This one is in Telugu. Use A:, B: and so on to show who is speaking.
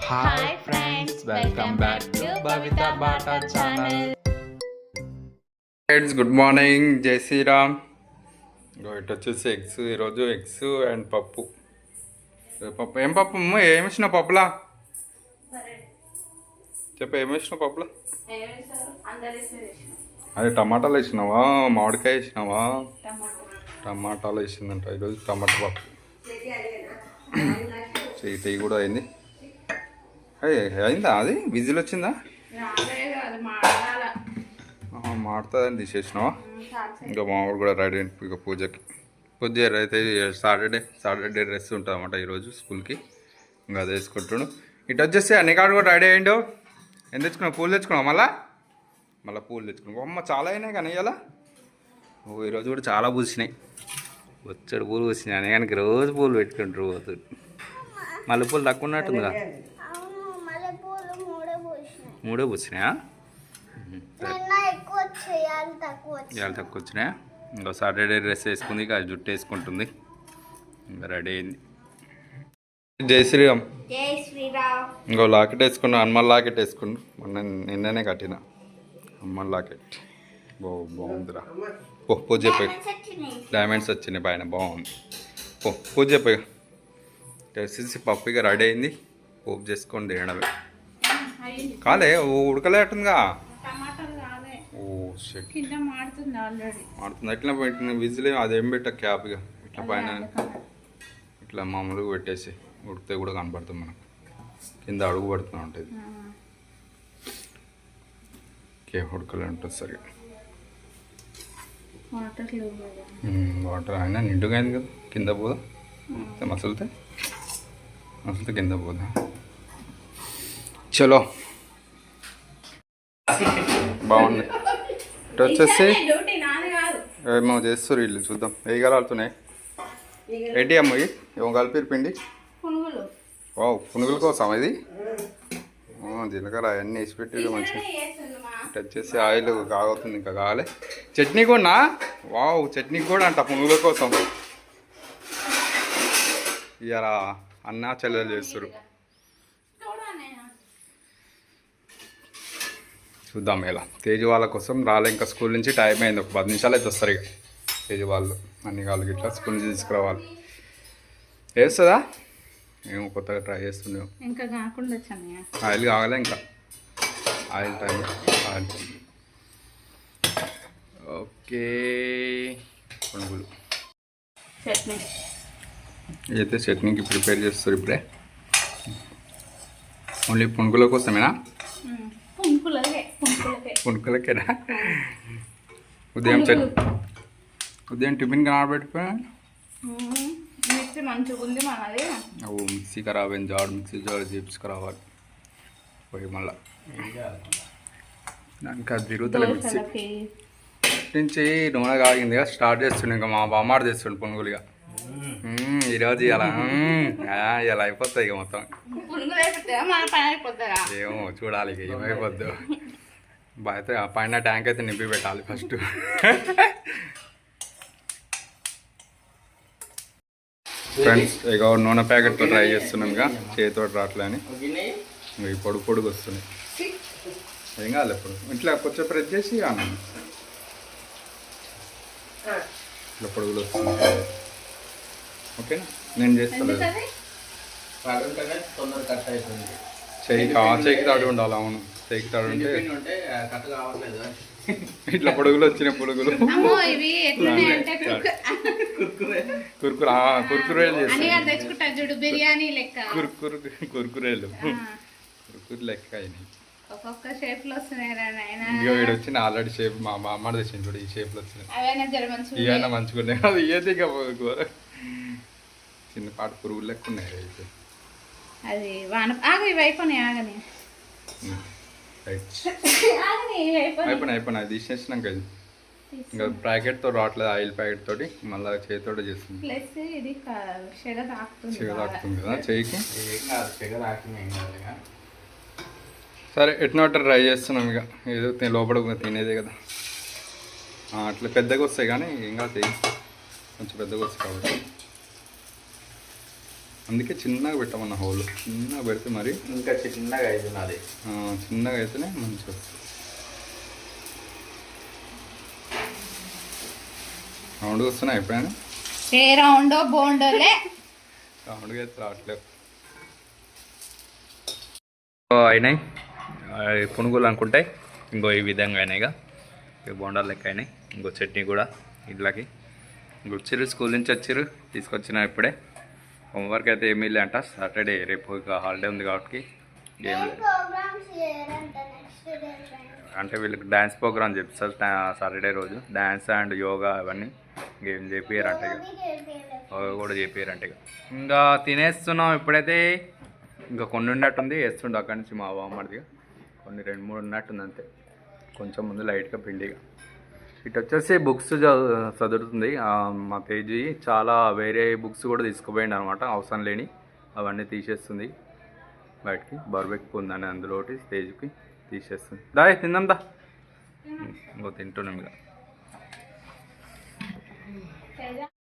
A: Hi friends, welcome back to Bavitha Bata channel.
B: Friends, good morning, జై శ్రీరామ్. ఇటు వచ్చేసి ఎగ్స్, ఈరోజు ఎగ్స్ అండ్ పప్పు. పప్పు ఏం పప్పు ఏమి వేసినావు పప్పులా? చెప్పు, ఏమి వేసినావు పప్పులా? అదే టమాటాలు వేసినావా, మామిడికాయ వేసినావా? టమాటాలు వేసిందంట ఈరోజు. టమాటా పప్పు టీ కూడా అయింది. అయిందా? అది విజిల్ వచ్చిందా? మాడుతుందని తీసేసినావా? ఇంకా మామిడి కూడా రెడీ అయింది. ఇక పూజకి పూజ అయితే సాటర్డే డ్రెస్ ఉంటుంది అన్నమాట ఈరోజు స్కూల్కి. ఇంకా అది వేసుకుంటున్నాడు. ఇటు వచ్చేసి అన్ని కాడు కూడా రెడీ అయ్యిండు. ఏం తెచ్చుకున్నావు? పూలు తెచ్చుకున్నావు? మళ్ళీ పూలు తెచ్చుకున్నావు. అమ్మ చాలా అయినాయి కానీ ఇలా ఈరోజు కూడా చాలా పూసినాయి. వచ్చాడు పూలు పూసినాయి అని కానీ రోజు పూలు పెట్టుకుంటారు పోతుంది. మళ్ళీ పూలు తక్కువ ఉన్నట్టుందిగా. మూడే పూసినాయా? ఇవాళ తక్కువ వచ్చినాయా? ఇంకా సాటర్డే డ్రెస్ వేసుకుంది, ఇక జుట్టు వేసుకుంటుంది. ఇంకా రెడీ అయింది. జై శ్రీరామ్. ఇంకో లాకెట్ వేసుకున్నా, హనుమాన్ లాకెట్ వేసుకున్నా. నిన్ననే కట్టిన హనుమాన్ లాకెట్. బాగుందిరా. పూజ చెప్పాయి. డైమండ్స్ వచ్చినాయి పైన, బాగుంది. పూజ చెప్పాయి. వచ్చేసి పప్పు ఇక రెడీ అయింది. పోపు చేసుకొని తినడమే. కాలే ఉడకలే అట్టుందిగా. మాడుతుంది. ఎట్లా పెట్టిన విజిల్ అదేం పెట్ట క్యాప్ ఇక ఇట్లా పైన ఇట్లా మామూలుగా పెట్టేసి ఉడికితే కూడా కనపడుతుంది మనకు. కింద అడుగు పడుతూ ఉంటుంది. ఓకే, ఉడకలే ఉంటుంది సరిగా. వాటర్ అయినా నిండుగా అయింది కదా. కింద పోదా మసలితే కింద పోదా. చలో, బాగుంది. ఇటు వచ్చేసి ఏమో చేస్తారు వీళ్ళు, చూద్దాం. వేయగలుగుతున్నాయి. ఏంటి అమ్మ ఏమో కలిపి పిండి? పునుగుల కోసం ఇది. జీలకర్ర అవన్నీ వేసి పెట్టి మంచిగా. ఇటు వచ్చేసి ఆయిల్ కాగుతుంది, ఇంకా కావాలి. చట్నీ కూడా చట్నీ కూడా అంట పునుగుల కోసం. ఇవాళ అన్న చెల్లెలు చేస్తారు. చూద్దాం ఎలా. తేజు వాళ్ళ కోసం రాలే, ఇంకా స్కూల్ నుంచి టైం అయింది. ఒక 10 నిమిషాలు అయితే వస్తారు ఇక తేజు వాళ్ళు. అన్ని కాళ్ళకి ఇట్లా స్కూల్ నుంచి తీసుకురావాలి. వేస్తుందా? మేము కొత్తగా ట్రై చేస్తున్నాం.
A: ఇంకా కాకుండా
B: ఆయిల్ కావాలి, ఇంకా ఆయిల్ టైం. Oil okay. పునుగులు అయితే చట్నీకి ప్రిపేర్ చేస్తారు ఇప్పుడే. ఓన్లీ పునుగుల కోసమేనా? పునుకులకేనా? ఉదయం టిఫిన్ కనబెట్టిపోయా.
A: మిక్సీ మంచిగా ఉంది మనది.
B: మిక్సీ ఖరాబ్ అయింది. మిక్సీ జాడు చేపించుకురావాలి పోయి. మళ్ళీ ఇంకా తిరుగుతలే మిక్సీ నుంచి. నూనె కాగింది కదా, స్టార్ట్ చేస్తుండే. ఇంకా మా బామ్మాడు తెస్తుండే పునుగులుగా. ఈరోజు ఇలా అయిపోతాయి ఇక మొత్తం. ఏమో చూడాలి ఇక ఏమైపోద్దు. అయితే పైన ట్యాంక్ అయితే నింపి పెట్టాలి ఫస్ట్. ఫ్రెండ్స్, ఇక నూనె ప్యాకెట్తో ట్రై చేస్తున్నాం. ఇక చేతితో రావట్లే అని ఇవి పొడుగు వస్తున్నాయి. ఏం కాదు, ఎప్పుడు ఇట్లా కొంచెం ప్రెస్ చేసి అన్నాను. ఇట్లా పొడుగులు వస్తున్నాయి. ఓకేనా? నేను చేస్తాను. చేయికి తాడు ఉండాలి. అవును, చేయికి తాడు ఉంటే. ఇట్లా పొడుగులు వచ్చినాయి. పొడుగులు కుర్కురేలు చేస్తాను. కుర్కురేలు లెక్క అయినాయి. వీడు వచ్చిన ఆల్రెడీ షేప్ మా అమ్మ తెచ్చింది చూడు. ఈ షేప్లో వచ్చినాయి. ఇవైనా మంచిగా ఉన్నాయి. అది ఏది ఇక చిన్నపాటి పురుగులు లెక్క ఉన్నాయి. అయితే
A: అది
B: అయిపోయినాయి. తీసేసినాక ఇంకా ప్యాకెట్తో రావట్లేదు. ఆయిల్ ప్యాకెట్ తోటి మళ్ళీ చేతితో చేస్తుంది. తాకుతుంది కదా చేయికి. సరే, ఎట్నో ట్రై చేస్తున్నాం. ఇక ఏదో లోపల తినేదే కదా. అట్లా పెద్దగా వస్తాయి కానీ ఇంకా కొంచెం పెద్దగా వస్తాయి కాబట్టి అందుకే చిన్నగా పెట్టమన్న హోల్, చిన్నగా పెడితే మరి
A: ఇంకా చిన్నగా అవుతుంది అది.
B: చిన్నగా అయితేనే మంచిగా వస్తుంది. రౌండ్గా వస్తున్నా ఎప్పుడైనా
C: ఏ రౌండ్ బోండోలే
B: రౌండ్గా అయితే రావట్లేదు. అయినాయి పునుగులు అనుకుంటే ఇంకో ఈ విధంగా అయినాయిగా, ఇక బోండాలు లెక్క అయినాయి. ఇంకో చట్నీ కూడా ఇట్లకి వచ్చారు, స్కూల్ నుంచి వచ్చారు, తీసుకొచ్చిన ఇప్పుడే. హోంవర్క్ అయితే ఏమీ లేదంట, సాటర్డే రేపు ఇక హాలిడే ఉంది కాబట్టి ఏం లేదు. అంటే వీళ్ళకి డ్యాన్స్ ప్రోగ్రామ్ చెప్తారు సాటర్డే రోజు, డ్యాన్స్ అండ్ యోగా అవన్నీ గేమ్ చేపియారంట, ఇక కూడా చేపియారంట. ఇక ఇంకా తినేస్తున్నాం ఇప్పుడైతే. ఇంకా కొన్ని ఉన్నట్టుంది, వేస్తుండే అక్కడి నుంచి మా బామ్మడిదిగా కొన్ని 2-3 ఉన్నట్టుంది అంతే, కొంచెం ముందు లైట్గా పిండిగా. ఇటు వచ్చేసి బుక్స్ చదువుతుంది మా తేజీ, చాలా వేరే బుక్స్ కూడా తీసుకుపోయింది అనమాట, అవసరం లేని అవన్నీ తీసేస్తుంది బయటికి. బర్బెక్ ఉందని అందులో ఒకటి తేజీకి తీసేస్తుంది. దాయ్ తిందాం దా, ఇంకో తింటున్నాం ఇక.